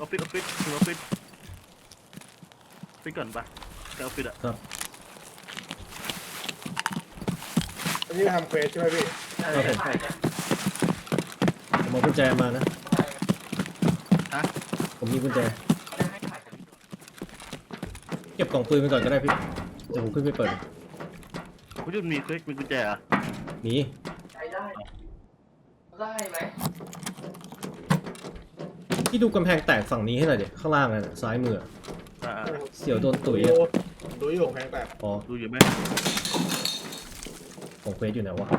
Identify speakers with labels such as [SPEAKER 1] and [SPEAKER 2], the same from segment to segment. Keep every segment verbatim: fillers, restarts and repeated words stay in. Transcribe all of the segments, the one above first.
[SPEAKER 1] อฟฟิศออฟฟิศถึงออฟฟิศไปก่อนปะไปออฟฟิศอะ
[SPEAKER 2] ครับ
[SPEAKER 3] อันนี้ทำเควสใช่ไหมพี่
[SPEAKER 1] ใช่ใช่
[SPEAKER 2] ผมเอากุญแจมานะ
[SPEAKER 1] ฮะ
[SPEAKER 2] ผมมีกุญแจเก็บกล่องปืนไปก่อนก็ได้พี่เดี๋ยวผมขึ้นไปเปิด
[SPEAKER 1] คุณยุ่นมีเควสมีกุญแจอะ
[SPEAKER 2] มี
[SPEAKER 4] ใช้ได้ได้ไหม
[SPEAKER 2] พี่ดูกำแพงแตกฝั่งนี้ให้หน่อยเดี๋ยวข้างล่างนะซ้ายมือ
[SPEAKER 1] อ่า
[SPEAKER 2] เสี่ยวโดนตุ๋ย
[SPEAKER 3] ดู
[SPEAKER 2] อะ
[SPEAKER 3] ดูอยู่แพงแตก
[SPEAKER 2] อ๋อ
[SPEAKER 1] ดูอยู่ไหม
[SPEAKER 2] ของเควสอยู่ไหนวะ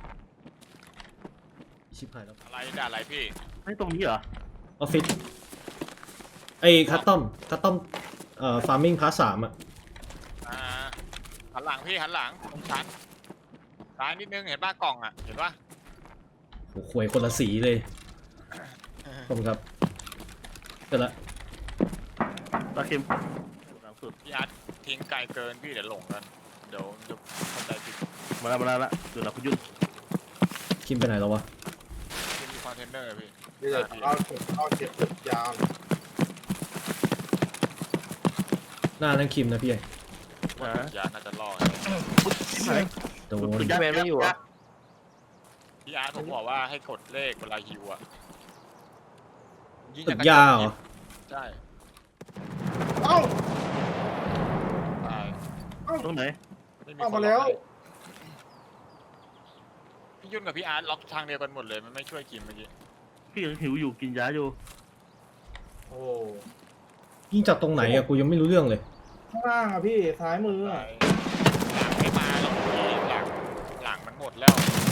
[SPEAKER 2] ชิบหายแล้ว
[SPEAKER 5] อะไรด่าอะไรพี่
[SPEAKER 1] ไม่ตรงนี้เหรอ
[SPEAKER 2] ออฟฟิศไอ้คัตตอมคัตตอมเอ่อฟาร์มิงพาร์ทสามอะ
[SPEAKER 5] อ่าหันหลังพี่หันหลังตรงชั้นซ้ายนิดนึงเห็นป่ะกล่องอ่ะเห็นป่ะ
[SPEAKER 2] โอ้โหควยคนละสีเลยขอบคุณครับเสร็จละ
[SPEAKER 1] ตาเข็มหลังสุด
[SPEAKER 5] พี่อาร์ตทิ้งไกลเกินพี่เดี๋ยวหลงกันเดี๋ยวจะเข้าใจผิด
[SPEAKER 1] มาแล้วมาแล้วละเดี๋ยวเราคุณยุ่น
[SPEAKER 2] คิมไปไหนแล้ววะ
[SPEAKER 5] ที่มีคอนเทนเนอร์พี่
[SPEAKER 3] นี่จะเอาเอาเก็บตึกยาว
[SPEAKER 2] หน้านั่นคิมนะพี่
[SPEAKER 5] ว่าตุยาน่าจะรอด
[SPEAKER 1] ที่ไหน
[SPEAKER 2] โดน
[SPEAKER 1] ตึกยักษ์
[SPEAKER 4] แมนไม่อยู่อ่ะ
[SPEAKER 5] พี่อาร์ตผมบอกว่าให้กดเลขเวลาฮิวอ่ะง
[SPEAKER 2] ตึ
[SPEAKER 5] จ
[SPEAKER 2] กยาวเหรอ
[SPEAKER 5] ใช่
[SPEAKER 3] เอ้า
[SPEAKER 5] ตาย
[SPEAKER 1] ตรงไหน
[SPEAKER 5] ไม่มี
[SPEAKER 3] เอา
[SPEAKER 5] คน
[SPEAKER 3] มา
[SPEAKER 5] ล็
[SPEAKER 3] แล้
[SPEAKER 5] อก
[SPEAKER 3] ว
[SPEAKER 5] ให้พี่ยุ่นกับพี่อาร์ตล็อกทางเดียวกันหมดเลยมันไม่ช่วยกินเมื่อกี้
[SPEAKER 1] พี่ยังหิวอยู่กินยาอยู่
[SPEAKER 3] โอ้
[SPEAKER 2] ยิงจากตรงไหนอะกูยังไม่รู้เรื่องเลย
[SPEAKER 3] ข้างล่างอ่ะพี่ซ้ายมือ
[SPEAKER 5] ห
[SPEAKER 3] อะ
[SPEAKER 5] ลังไม่มาหรอกพี่หลังหลังมันหมดแล้ว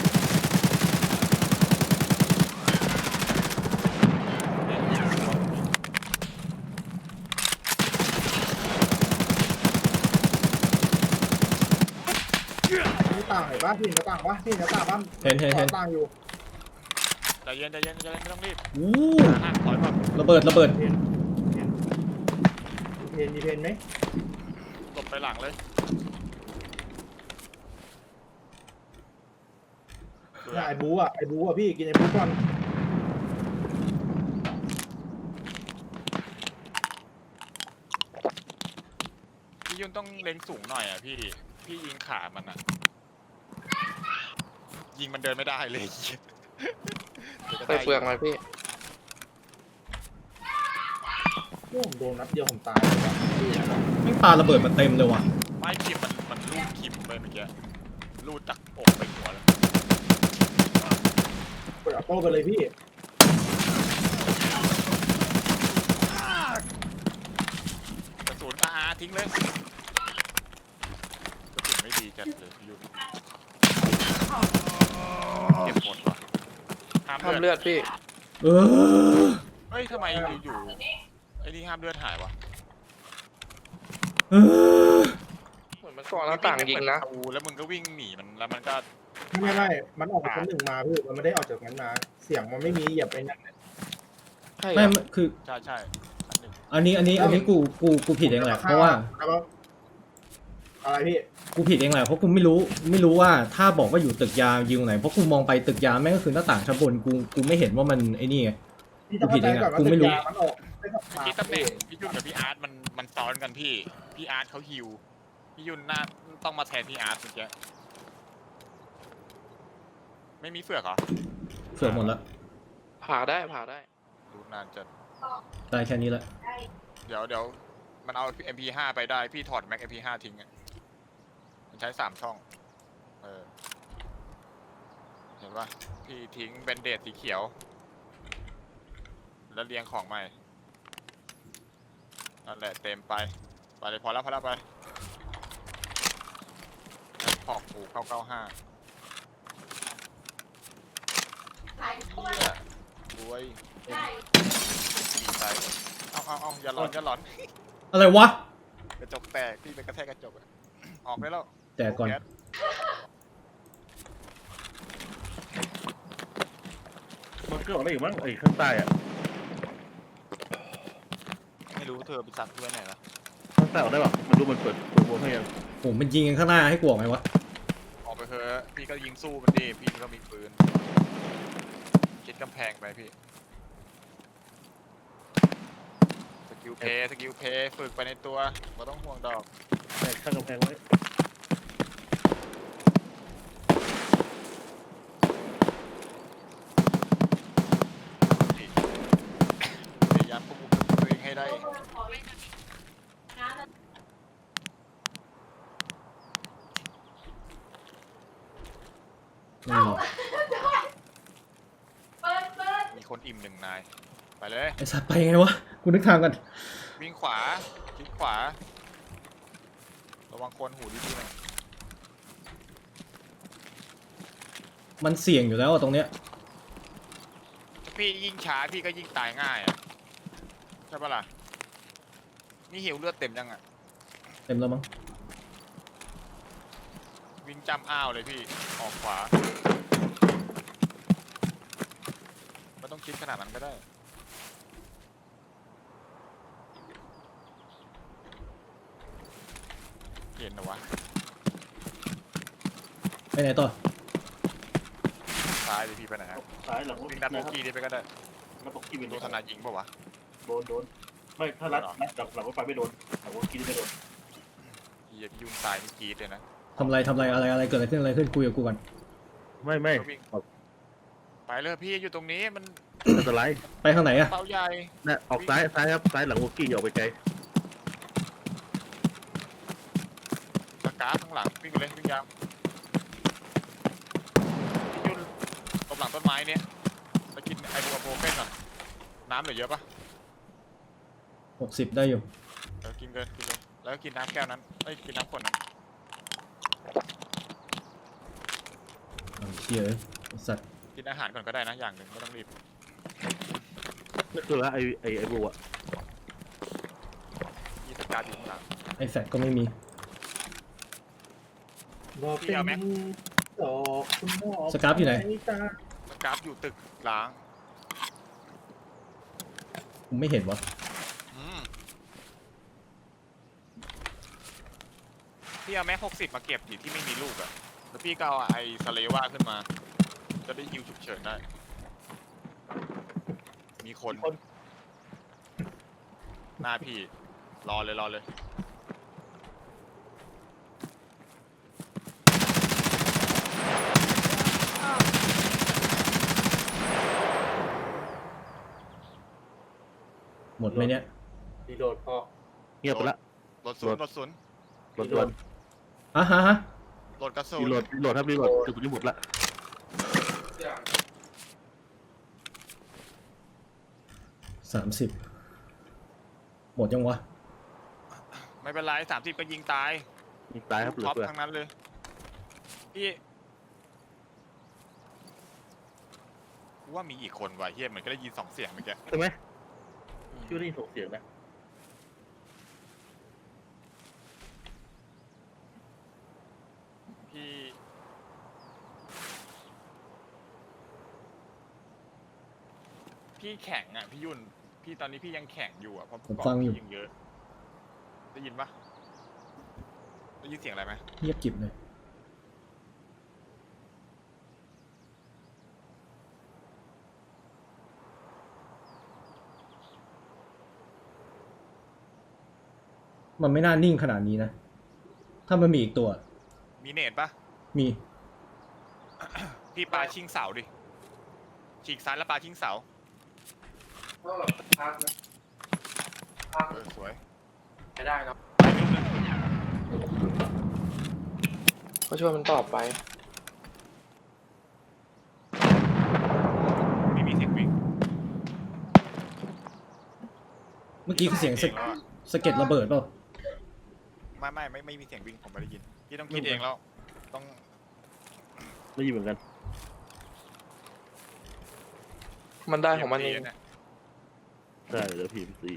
[SPEAKER 3] มีต่างเห็นปะพี่เห็นหน้าต่างปะพี่เห็นหน้าต่างปะ
[SPEAKER 2] เห็นเห็นเห็น
[SPEAKER 3] ต่างอยู่
[SPEAKER 5] ใจเย็นใจเย็นใจเย็นไม่ต้องรีบ
[SPEAKER 2] อู้
[SPEAKER 5] ห่างถอยก่อน
[SPEAKER 2] ระเบิดระเบิด
[SPEAKER 3] เห็นเห็นมีเพนมีเพนไหม
[SPEAKER 5] หลบไปหลังเลย
[SPEAKER 3] เนี่ยไอ้บูอ่ะไอ้บูอ่ะพี่กินไอ้บูก่อน
[SPEAKER 5] พี่ยุ่นต้องเล็งสูงหน่อยอ่ะพี่ พี่ยิงขามันอ่ะ ยิงมันเดินไม่ได้เลย
[SPEAKER 4] ไปเฟืองมาพี่
[SPEAKER 3] โอ้ผมโดนนัดเดียวผมตายเลยว่ะพี่
[SPEAKER 2] แม่งปาระเบิดมาเต็มเลยว่ะ
[SPEAKER 5] ไม่คิมมันมันลูดคิมไปเมื่อกี้ลูดจากอกไปหัวแล้ว
[SPEAKER 3] เปิดออโต้ไปเลยพี่
[SPEAKER 5] กระสุนอาทิ้งเลยกระสุนไม่ดีจัดเลยพี่ยุ่นเก็บหมดว่ะห้าม
[SPEAKER 4] ห้าม
[SPEAKER 5] เลื
[SPEAKER 4] เลื
[SPEAKER 5] อด
[SPEAKER 4] อดพี่
[SPEAKER 2] เออ
[SPEAKER 5] เฮ้ยทำไมอยู่ๆไอ้นี่ห้ามเลือดหายวะ
[SPEAKER 2] เออ
[SPEAKER 4] เหมือนมันก่อนหน้าต่างยิงนะ
[SPEAKER 5] ประตูแล้วมึงก็วิ่งหนีมันแล้วมันก็
[SPEAKER 3] ไม่ไม่มันออกจากชั้นหนึ่งมาพี่มันไม่ได้ออกจากนั้นมาเสียงมันไม่มีเหยียบไปนั่น
[SPEAKER 4] ใช่
[SPEAKER 2] ไม่
[SPEAKER 4] อะ
[SPEAKER 2] ไม่คือ
[SPEAKER 5] ใช่ใช่อันหนึ่ง
[SPEAKER 2] อันนี้อันนี้อันนี้กูกูกูผิดเองแหละเพราะว่า
[SPEAKER 3] อะไรพี่
[SPEAKER 2] กูผิดเองแหละเพราะกูไม่รู้ไม่รู้ว่าถ้าบอกว่าอยู่ตึกยาวยิงไหนเพราะกูมองไปตึกยาวแม่งก็คือหน้าต่างชั้นบนกูกูไม่เห็นว่ามันไอ้นี่ไง
[SPEAKER 3] พี่ต้องเข้าใจก่อนว่าตึกยามันออกไม่ต้อง
[SPEAKER 5] พี่ตำแหน่งพี่ยุ่นกับพี่อาร์ตมันมันซ้อนกันพี่ พี่อาร์ตเขาฮิวพี่ยุ่นน่าต้องมาแทนพี่อาร์ตเมื่อกี้ไม่มีเฟือกเหรอ
[SPEAKER 2] เสือกหมดละ
[SPEAKER 4] ผ่าได้ผ่าได้
[SPEAKER 5] ดูนานจัด
[SPEAKER 2] ได้แค่นี้ละ
[SPEAKER 5] เดี๋ยวเดี๋ยวมันเอา เอ็ม พี ห้า ไปได้พี่ถอดแม็ก เอ็ม พี ห้า ทิ้งอ่ะมันใช้สามช่องเออเห็นปะพี่ทิ้งแบนเดดสีเขียว แล้วเรียงของใหม่นั่นแหละเต็มไปไปเลยพอแล้วพอแล้วไปขอบปูเก้าเก้าห้ารวยดีใจเอาเอาเอาอย่าหลอนอย่าหลอน
[SPEAKER 2] อะไรวะ
[SPEAKER 5] กระจกแตกพี่ไปกระแทกกระจกอะออกได้แล้ว
[SPEAKER 2] แจกก่อน
[SPEAKER 5] แก๊ส
[SPEAKER 1] มันก็ออกได้อีกมั้งไอ้ข้างใต้อะ
[SPEAKER 5] ไม่รู้เธอไปสั่งเพื่อนไหนละ
[SPEAKER 1] ข้างใต้ออกได้ป่ะมันดูมันเปิดเปิดวงให้ยัง
[SPEAKER 2] โอ้มันยิงกันข้างหน้าให้กูออกไหมวะ
[SPEAKER 5] ออกไปเถอะพี่ก็ยิงสู้มันดิพี่ก็มีปืนคิดกำแพงไปพี่กิลเพย์สกิลเพย์ฝึกไปในตัวไม่ต้องห่วงดอก
[SPEAKER 1] แตกข้างกำแพงไว้
[SPEAKER 5] พยายามควบคุมตัวเองให้ได้
[SPEAKER 2] ไม่มี
[SPEAKER 5] มีคนอิ่มหนึ่งนาย ไปเลย
[SPEAKER 2] ไอ้สัตว์ไปไงวะกูนึกทางกัน
[SPEAKER 5] วิ่งขวาคลิกขวา ระวังคนหูดีๆหน่อย
[SPEAKER 2] มันเสี่ยงอยู่แล้วอะตรงเนี้ย
[SPEAKER 5] พี่ยิ่งช้าพี่ก็ยิ่งตายง่ายอ่ะใช่ปะล่ะนี่หิวเลือดเต็มยังอ่ะ
[SPEAKER 2] เต็มแล้วมั้ง
[SPEAKER 5] วิ่งจำอ้าวเลยพี่ออกขวาไม่ต้องคิดขนาดนั้นก็ได้เห็นนะวะ
[SPEAKER 2] ไปไหนต่อ
[SPEAKER 5] ซ้ายเลยพี่ไปไหนฮะ
[SPEAKER 1] ซ้ายหลัง
[SPEAKER 5] วิ่งดันโบกี้นี่ไปก็ได้
[SPEAKER 1] แล้วบอกกี้เป็น
[SPEAKER 5] โดนธนายิงปะวะ
[SPEAKER 1] โดนโดนไม่ถ้ารัดรัดหลังหลังรถไฟไม่โดนหลังรถกี้ไม่โดน
[SPEAKER 5] เฮียพี่ยุ่นตายนี่กรีดเลยนะ
[SPEAKER 2] ทำไรทำไรอะไรอะไรเกิดอะไรขึ้นอะไรขึ้นคุยกับกูก่อน
[SPEAKER 1] ไม่ไม่
[SPEAKER 5] ก็วิ่งไปเลยพี่อยู่ตรงนี้มัน
[SPEAKER 1] อันตราย
[SPEAKER 2] ไปทางไหนอะ
[SPEAKER 5] เป้าใหญ่
[SPEAKER 1] นะออกซ้ายซ้ายครับซ้ายหลังวอกี้อย่าออกไปไกล
[SPEAKER 5] สกาข้างหลังวิ่งไปเลยวิ่งยาวพี่ยุ่นตบหลังต้นไม้เนี่ยไปกินไอบูโปรเฟนก่อนน้ำเหลือเยอะปะ
[SPEAKER 2] หกสิบได้อยู่
[SPEAKER 5] เออกินเลยกินเลยแล้วก็กินน้ำแก้วนั้นเอ้ยกินน้ำขวดนั้น
[SPEAKER 2] เอาเชี่ยไอ้สัตว์
[SPEAKER 5] กินอาหารก่อนก็ได้นะอย่างหนึ่งไม่ต้องรีบ
[SPEAKER 1] นั่นคือว่าไอไอไอบัว
[SPEAKER 5] มีสการ์ดอยู่ข้างหลัง
[SPEAKER 2] ไอ้แฟกก็ไม่มี
[SPEAKER 3] บอกเป็นดอกคุณหมอ
[SPEAKER 2] สกราฟอยู่ไหน
[SPEAKER 5] สการ์ดอยู่ตึกล้าง
[SPEAKER 2] กูไม่เห็นวะ
[SPEAKER 5] อืมพี่เอาแม็กหกสิบมาเก็บดิที่ไม่มีลูกอะแล้วพี่ก็เอาไอ้สเลว่าขึ้นมา จะได้ฮิวฉุกเฉินได้ มีคน หน้าพี่ รอเลยรอเลย
[SPEAKER 2] หมดไหมเนี่ย
[SPEAKER 3] ดีโดดพอ
[SPEAKER 1] เงียบไปละ
[SPEAKER 5] รถศูนย์รถศูนย์
[SPEAKER 1] รถด่วน
[SPEAKER 2] อ่ะฮะฮะ
[SPEAKER 5] รถกระสุ
[SPEAKER 1] รี
[SPEAKER 5] น
[SPEAKER 1] โหลดรีโหลดครับรีโหลดจุดนี้หมดละ
[SPEAKER 2] สามสิบหมดยังวะ
[SPEAKER 5] ไม่เป็นไรสามสิบก็ยิงตาย
[SPEAKER 1] มีตายครับเหลือ
[SPEAKER 5] ท็อป
[SPEAKER 1] เพื่อ
[SPEAKER 5] ทั้งนั้นเลย พี่กูว่ามีอีกคนว่ะเฮียเหมือนก็ได้ยินสองเสียงเมื่อกี้
[SPEAKER 1] ใช่ไหมชื่อได้ยินส่งเสียงนะ
[SPEAKER 5] พี่พี่แข็งอ่ะพี่ยุ่นพี่ตอนนี้พี่ยังแข็งอยู่อ่ะเพราะ
[SPEAKER 2] ผม
[SPEAKER 5] เกาะ
[SPEAKER 2] ฟังอยู่
[SPEAKER 5] พี่ยังเยอะ ได้ยินปะได้ยินเสียงอะไรไหม
[SPEAKER 2] เงียบกริบเลยมันไม่น่านิ่งขนาดนี้นะ ถ้ามันมีอีกตัว
[SPEAKER 5] มีเนตปะ
[SPEAKER 2] มี
[SPEAKER 5] พี่ปลาชิงเสาดิฉีกซ้ายแล้วปลาชิงเสาเออสวย
[SPEAKER 4] ไม่ได้ครับ
[SPEAKER 5] ไปลูกนึง
[SPEAKER 4] ก็ช่วยมันตอบไป
[SPEAKER 5] ไม่มีเสียงวิ่ง
[SPEAKER 2] เมื่อกี้คือเสียงสะ
[SPEAKER 5] แล้วอะ
[SPEAKER 2] สะเก็ดระเบิดเปล่า
[SPEAKER 5] ไม่ไม่ไม่ไม่มีเสียงวิ่งผมไม่ได้ยินพี่ต้องคิดเองแล้วต้อง
[SPEAKER 1] ไม่ยินเหมือนกัน
[SPEAKER 4] มันได้ของมันเอง
[SPEAKER 5] เนี่ย
[SPEAKER 1] ใช่เหลือพีมซี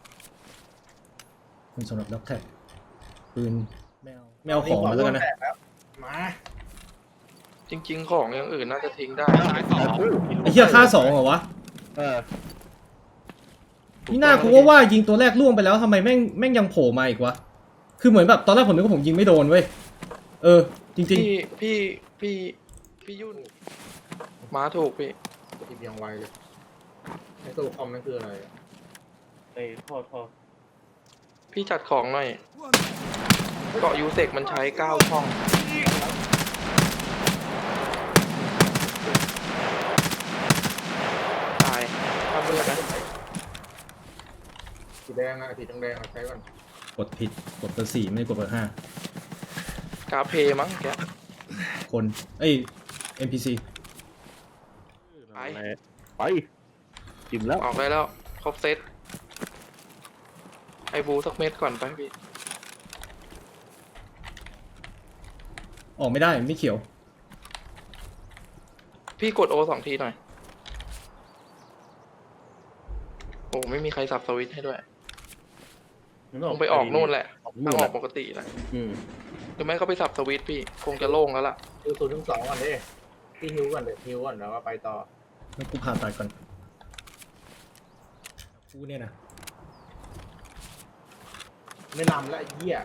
[SPEAKER 2] คุณสำหรับล็อกแท็กปืนแมวแมวของมาแล้วกันนะ
[SPEAKER 3] มา
[SPEAKER 4] จริง ๆ ของอย่างอื่นน่าจะทิ้งได้
[SPEAKER 5] ซ้ายสอง
[SPEAKER 2] ไอ้เหี้ยค่าสองเหรอวะ
[SPEAKER 1] เออ
[SPEAKER 2] นี่หน้ากูว่าว่ายิงตัวแรกล่วงไปแล้วทำไมแม่งแม่งยังโผล่มาอีกวะ คือเหมือนแบบตอนแรกผมนึกว่าผมยิงไม่โดนเว้ย เออ จริง
[SPEAKER 4] พี่พี่พี่พี่ยุ่นม้าถูกพี่
[SPEAKER 3] ทีมยังไวเลยไอ้ตัวคอมนั่นคืออะไร
[SPEAKER 1] ไอ้ท่อท่อ
[SPEAKER 4] พี่จัดของหน่อยเกาะยูเซกมันใช้เก้าช่องตายทำเพื่อนนะ
[SPEAKER 3] สีแดงอะสีแดงๆเอาใช้ก่อน
[SPEAKER 2] กดผิดกดเบอร์สี่ไม่ได้กดเบอร์ห้าก
[SPEAKER 4] าเพมั้งแก
[SPEAKER 2] คนเอ้ย เอ็ม พี ซี
[SPEAKER 4] ไป
[SPEAKER 1] ไปจิ้มแล้ว
[SPEAKER 4] ออกได้แล้ว ครบเซตไอบูสักเม็ดก่อนไปพี่
[SPEAKER 2] ออกไม่ได้ไม่เขียว
[SPEAKER 4] พี่กดโอสองทีหน่อย โอ้ไม่มีใครสับสวิตช์ให้ด้วยต้องไปออกนู่นแหละ
[SPEAKER 1] ออก
[SPEAKER 4] ทา
[SPEAKER 1] นู่
[SPEAKER 4] ง
[SPEAKER 1] น
[SPEAKER 4] อ
[SPEAKER 1] แห
[SPEAKER 4] อ
[SPEAKER 1] ละ
[SPEAKER 4] กปกติแหละ
[SPEAKER 1] อืม
[SPEAKER 4] หรือไม่ก็ไปสับสวิตช์พี่ คงจะโล่งแล้วล่ะ
[SPEAKER 3] ดูศูนย์ถึงสองก่อนดิที่ฮิวก่อนเดี๋ยวฮิวก่อนแล้วก็ไปต่อ
[SPEAKER 2] แล้วกูผ่าตัดก่อนกูเนี่ยนะ
[SPEAKER 3] ไม่นำแล้วไอ้เหี้ย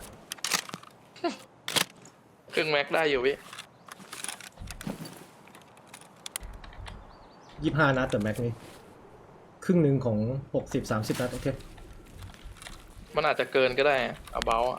[SPEAKER 4] ครึ่งแม็กได้อยู่พี่
[SPEAKER 2] ยี่สิบห้านัดแต่แม็กนี่ครึ่งหนึ่งของหกสิบสามสิบนัดโอเค
[SPEAKER 4] มันอาจจะเกินก็ได้เอาเบาอ่ะ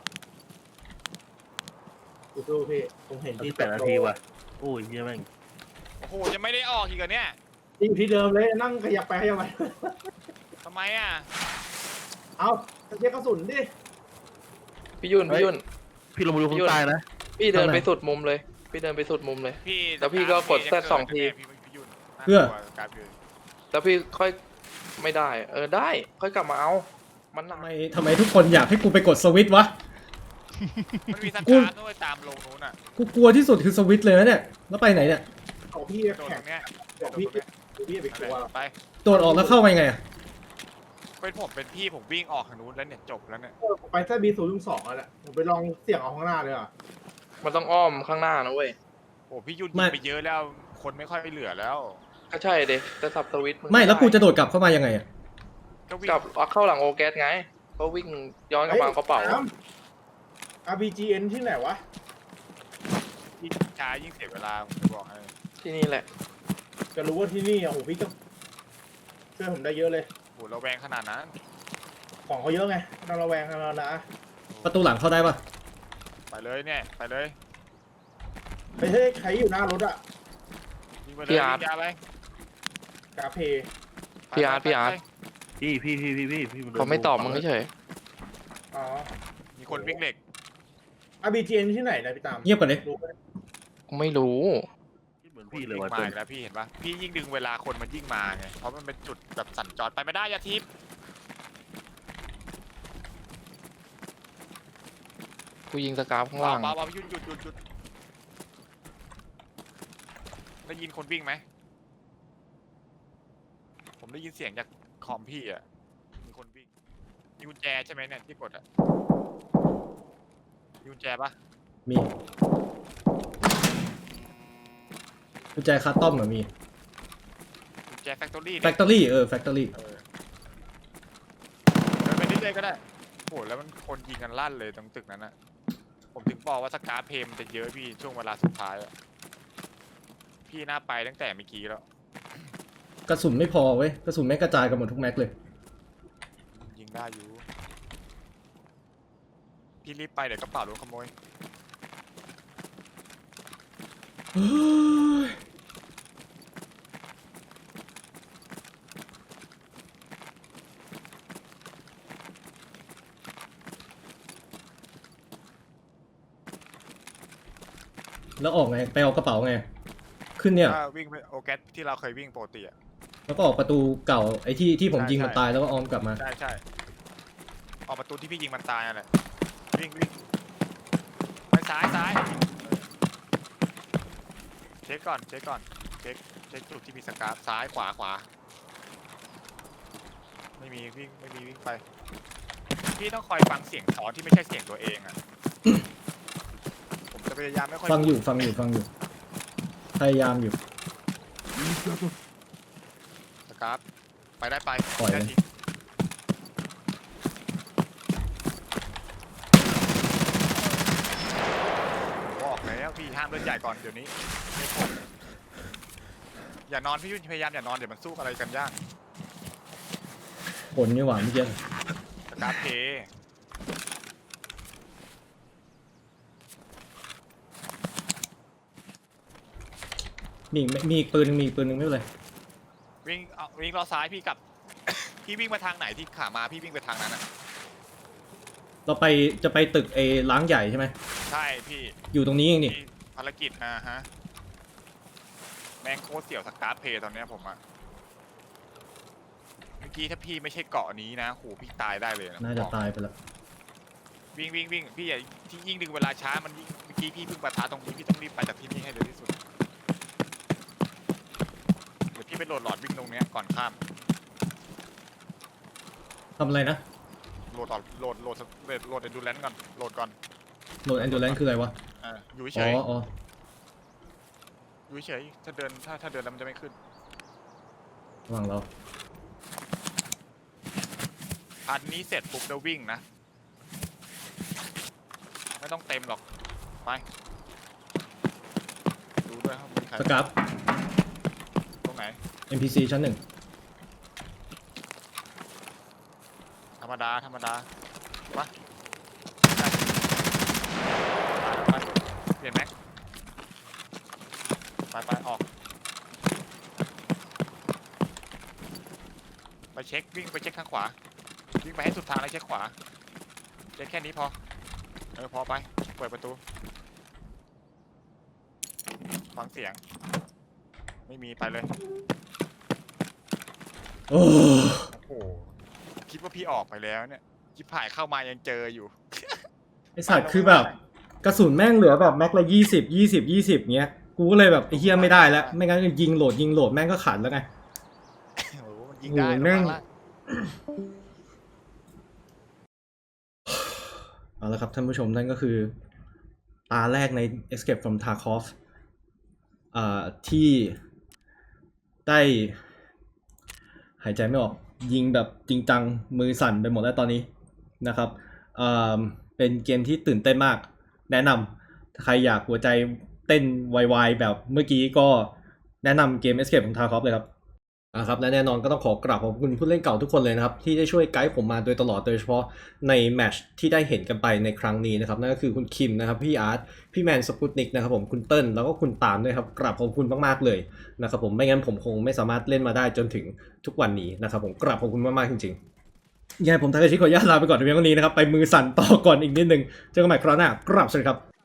[SPEAKER 3] สู้ๆพี่ผมเห็น
[SPEAKER 1] เอา
[SPEAKER 3] ที่
[SPEAKER 1] ที่แปดนาทีว่ะโอ้ยเหี้ยแม่ง
[SPEAKER 5] โอ้โหยังไม่ได้ออกอีกเหรอเนี่ย
[SPEAKER 3] ที่อยู่ที่เดิมเลยนั่งขยับไปขยับไป
[SPEAKER 5] ทำไมอ่ะ
[SPEAKER 3] เอาเช็คกระสุนดิ
[SPEAKER 4] พี่ยุ่นพี่ยุ่น
[SPEAKER 1] พี่ลงมาดูข้างใต้นะ
[SPEAKER 4] พี่เดินไปสุดมุมเลย พี่เดินไปสุดมุมเลย
[SPEAKER 5] พี่
[SPEAKER 4] แล้วพี่ก็กด Z สองที
[SPEAKER 5] พี่พี่ยุ่น
[SPEAKER 2] เพื่อ
[SPEAKER 5] น่ากลัวการพี่
[SPEAKER 4] แล้วพี่ค่อยไม่ได้ เออได้ ค่อยกลับมาเอา มันหนั
[SPEAKER 2] ทำ
[SPEAKER 4] ก
[SPEAKER 2] ไมทำไมทุกคนอยากให้กูไปกดสวิตช์วะ
[SPEAKER 5] มันมีส
[SPEAKER 2] กู
[SPEAKER 5] ตาร์ทด้วยตามลงนู้นอ่ะ
[SPEAKER 2] กูกลัวที่สุดคือสวิตช์เลยนะเนี่ยแล้วไปไหนเนี่ย
[SPEAKER 3] ของพี่
[SPEAKER 5] โดน
[SPEAKER 3] แข่
[SPEAKER 5] ต
[SPEAKER 3] ง
[SPEAKER 5] รงเนี้ย
[SPEAKER 3] ของพี่พี่ไปกลัว
[SPEAKER 5] ไป
[SPEAKER 2] โดดออกแล้วเข้าไปไงอะ
[SPEAKER 5] เป็นผมเป็นพี่ผมวิ่งออกทางนู้นแล้วเนี่ยจบแล้วเนี่ย
[SPEAKER 3] เออไปแค่บีศูนย์ถึงสองแล้วแหละผมไปลองเสี่ยงเอาข้างหน้าเลยอ่ะ
[SPEAKER 4] มันต้องอ้อมข้างหน้านะเว้ย
[SPEAKER 5] โอ้พี่ยุ่นยิงไปเยอะแล้วคนไม่ค่อยเหลือแล้ว
[SPEAKER 4] ก็ใช่เด็แต่สับสวิตช์ง
[SPEAKER 2] ไม่แล้วกูจะโดดกลับเข้ามายังไงอะ
[SPEAKER 5] ก็วิ่ง
[SPEAKER 4] กลับเอาเข้าหลังโอแกสไง ก็วิ่งย้อนกลับมาเอากระเป๋า
[SPEAKER 3] อาร์ พี จี เอ็น ที่ไหนวะ
[SPEAKER 5] ยิ่งช้ายิ่งเสียเวลาผมจะบอกให้
[SPEAKER 4] ที่นี่แหละ
[SPEAKER 3] จะรู้ว่าที่นี่อ่ะโหพี่ก็ช่วยผมได้เยอะเลย
[SPEAKER 5] โหเราแวงขนาดนั้น
[SPEAKER 3] ของเขาเยอะไงเราระแวงกันแล้วนะ
[SPEAKER 2] ประตูหลังเข้าได้ปะ
[SPEAKER 5] ไปเลยเนี่ยไปเลย
[SPEAKER 3] ไปเฮ้ยใครอยู่หน้ารถอ่ะ
[SPEAKER 5] ยิงไปเลยยิงยาไป
[SPEAKER 3] กาเพ
[SPEAKER 4] พี่อาร์ตพี่อาร์ต
[SPEAKER 1] พี่พี่พี่พี่พี่พี่
[SPEAKER 4] เขาไม่ตอบมึงเฉย
[SPEAKER 3] อ๋อ
[SPEAKER 5] มีคนวิ่งเหล็ก
[SPEAKER 3] อาร์ พี จี เอ็น ที่ไหนนะพี่ตาม
[SPEAKER 2] เงียบก่อนเลย
[SPEAKER 3] รู้ไหม
[SPEAKER 4] กูไม่รู้
[SPEAKER 1] เหมือนพี่เลย
[SPEAKER 5] วิ่
[SPEAKER 1] ว่ะ
[SPEAKER 5] งมาอีกแล้วพี่เห็นปะพี่ยิ่งดึงเวลาคนมันยิ่งมาไงเพราะมันเป็นจุดแบบสัญจรไปไม่ได้อยาทิพย์
[SPEAKER 4] กูยิงสกาฟข้าง
[SPEAKER 5] เบา
[SPEAKER 4] ล่าง
[SPEAKER 5] เบาเบาหยุดหยุดหยุดหยุดได้ยินคนวิ่งไหมผมได้ยินเสียงจากคอมพี่อ่ะมีคนวิ่งมีกุญแจใช่ไหมเนี่ยที่กดอ่ะมีกุญแจปะ
[SPEAKER 2] มีกุญแจคัสตอมเหรอมี
[SPEAKER 5] กุญแจแฟคทอรี่
[SPEAKER 2] แฟคทอรี่เออแฟคทอรี่
[SPEAKER 5] เออเดินไปเรื่อยๆก็ได้โหแล้วมันคนยิงกันลั่นเลยตรงตึกนั้นอ่ะผมถึงบอกว่าสกาเพมมันจะเยอะพี่ช่วงเวลาสุดท้ายอ่ะพี่น่าไปตั้งแต่เมื่อกี้แล้ว
[SPEAKER 2] กระสุนไม่พอเว้ยกระสุนแม่งกระจายกันหมดทุกแม็กเลย
[SPEAKER 5] ยิงได้อยู่ พี่รีบไปเดี๋ยวกระเป๋าโดนขโมย
[SPEAKER 2] เฮ้ยแล้วออกไงไปเอากระเป๋าไงขึ้นเนี่ย
[SPEAKER 5] ถ้าวิ่งไปโอแกสที่เราเคยวิ่งปกติอ่ะ
[SPEAKER 2] แล้วก็ออกประตูเก่าไอ้ที่ที่ผม
[SPEAKER 5] ใช่
[SPEAKER 2] ยิงมัน
[SPEAKER 5] ใช่
[SPEAKER 2] ตายแล้วก็ออมกลับมา
[SPEAKER 5] ใช่ใช่ออกประตูที่พี่ยิงมันตายนั่นแหละวิ่งวิ่งไปซ้ายซ้ายเช็คก่อนเช็คก่อนเช็คเช็คจุดที่มีสกาฟซ้ายขวาขวาไม่มีวิ่งไม่มีวิ่งไป พี่ต้องคอยฟังเสียงสอนที่ไม่ใช่เสียงตัวเองอ่ะ ผมจะพยายามไม่ค่อย
[SPEAKER 2] ฟังอยู่ฟังอยู่ฟังอยู่พยายามอยู่
[SPEAKER 5] สกาฟไปได้ไป
[SPEAKER 2] ปล่อยเลย
[SPEAKER 5] แค่ทิ้งบอกแล้วพี่ห้ามเล่นใหญ่ก่อนเดี๋ยวนี้ไม่พบอย่านอนพี่ยุ่นพยายามอย่านอนเดี๋ยวมันสู้อะไรกันยาก
[SPEAKER 2] ผลนี่หว่าเมื่อกี้
[SPEAKER 5] สกาฟเพ
[SPEAKER 2] มีมีอีกปืนหนึงมีอีกปืนหนึงไม่เป็นไร
[SPEAKER 5] วิ่งเอาวิ่งล้อซ้ายพี่กลับ พี่วิ่งมาทางไหนที่ขามาพี่วิ่งไปทางนั้นอ่ะ
[SPEAKER 2] เราไปจะไปตึกไอ้ล้างใหญ่ใช่ไหม
[SPEAKER 5] ใช่พี่
[SPEAKER 2] อยู่ตรงนี้เองนี่
[SPEAKER 5] ที่ภารกิจอ่าฮะแม่งโคตรเสี่ยวสการ์เพย์ตอนเนี้ยผมอะเมื่อกี้ถ้าพี่ไม่ใช่เกาะนี้นะโหพี่ตายได้เลยนะ
[SPEAKER 2] น่าจะตายไปแล้ว
[SPEAKER 5] วิ่งวิ่งวิ่งพี่อย่าที่ยิ่งดึงเวลาช้ามันยิ่งเมื่อกี้พี่เพิ่งปะทะตรงนี้พี่ต้องรีบไปจากที่นี่ให้เร็วที่สุดเดี๋ยวพี่ไปโหลดหลอดวิ่งตรงเนี้ยก่อนข้าม
[SPEAKER 2] ทำอะไรนะ
[SPEAKER 5] โหลดหลอดโหลดโหลดโหลดโหลดเอนดูแลนซ์ก่อนโหลดก่อน
[SPEAKER 2] โหลดแอนดูแลนคืออะไรวะ
[SPEAKER 5] อ่าอยู่เฉ
[SPEAKER 2] อ๋อย อ๋อ
[SPEAKER 5] อยู่เฉยถ้าเดินถ้าถ้าเดินแล้วมันจะไม่ขึ้น
[SPEAKER 2] ระหว่างเรา
[SPEAKER 5] อันนี้เสร็จปุ๊บแล้ววิ่งนะไม่ต้องเต็มหรอกไปดูด้วยครับมีใคร
[SPEAKER 2] สกับ
[SPEAKER 5] ตรงไหน
[SPEAKER 2] เอ็ม พี ซี ชั้นหนึ่ง
[SPEAKER 5] ธรรมดาธรรมดาไปไปเปลี่ยนแม็กไปไปออกไปเช็ควิ่งไปเช็คทางขวาวิ่งไปให้สุดทางแล้วเช็คขวาเช็คแค่นี้พอเออพอไปเปิดประตูฟังเสียงไม่มีไปเลย
[SPEAKER 2] โอ้
[SPEAKER 5] โอ้โหคิดว่าพี่ออกไปแล้วเนี่ยจิบผ่ายเข้ามายังเจออยู่
[SPEAKER 2] ไอสัตว์คือแบบกระสุนแม่งเหลือแบบแม็กละยี่สิบยี่สิบยี่สิบเงี้ยกูก็เลยแบบไอ้เฮียไม่ได้แล้วไม่งั้นยิงโหลดยิงโหลดแม่งก็ขันแล้วไง
[SPEAKER 5] โอ้โหมันยิงได้
[SPEAKER 2] โอ้โห
[SPEAKER 5] ระ
[SPEAKER 2] แม่
[SPEAKER 5] วั
[SPEAKER 2] ง
[SPEAKER 5] งละ
[SPEAKER 2] เอาละครับท่านผู้ชมนั่นก็คือตาแรกใน Escape from Tarkov อ่าที่ได้หายใจไม่ออกยิงแบบจริงจังมือสั่นไปหมดแล้วตอนนี้นะครับอ่าเป็นเกมที่ตื่นเต้นมากแนะนำถ้าใครอยากหัวใจเต้นไวๆแบบเมื่อกี้ก็แนะนำเกม Escape from Tarkov เลยครับอ่าครับและแน่นอนก็ต้องขอกราบขอบคุณผู้เล่นเก่าทุกคนเลยนะครับที่ได้ช่วยไกด์ผมมาโดยตลอดโดยเฉพาะในแมตช์ที่ได้เห็นกันไปในครั้งนี้นะครับนั่นก็คือคุณคิมนะครับพี่อาร์ตพี่แมนสปุตนิกนะครับผมคุณเติ้ลแล้วก็คุณตามด้วยครับกราบขอบคุณมากๆเลยนะครับผมไม่งั้นผมคงไม่สามารถเล่นมาได้จนถึงทุกวันนี้นะครับผมกราบขอบคุณมากๆจริงๆยังไงผมทากาชิขออนุญาตลาไปก่อนในเพียงเท่านี้นะครับไปมือสั่นต่อก่อนอีกนิดนึงเจอกันใหม่คราวหน้ากราบสวัสดีครับ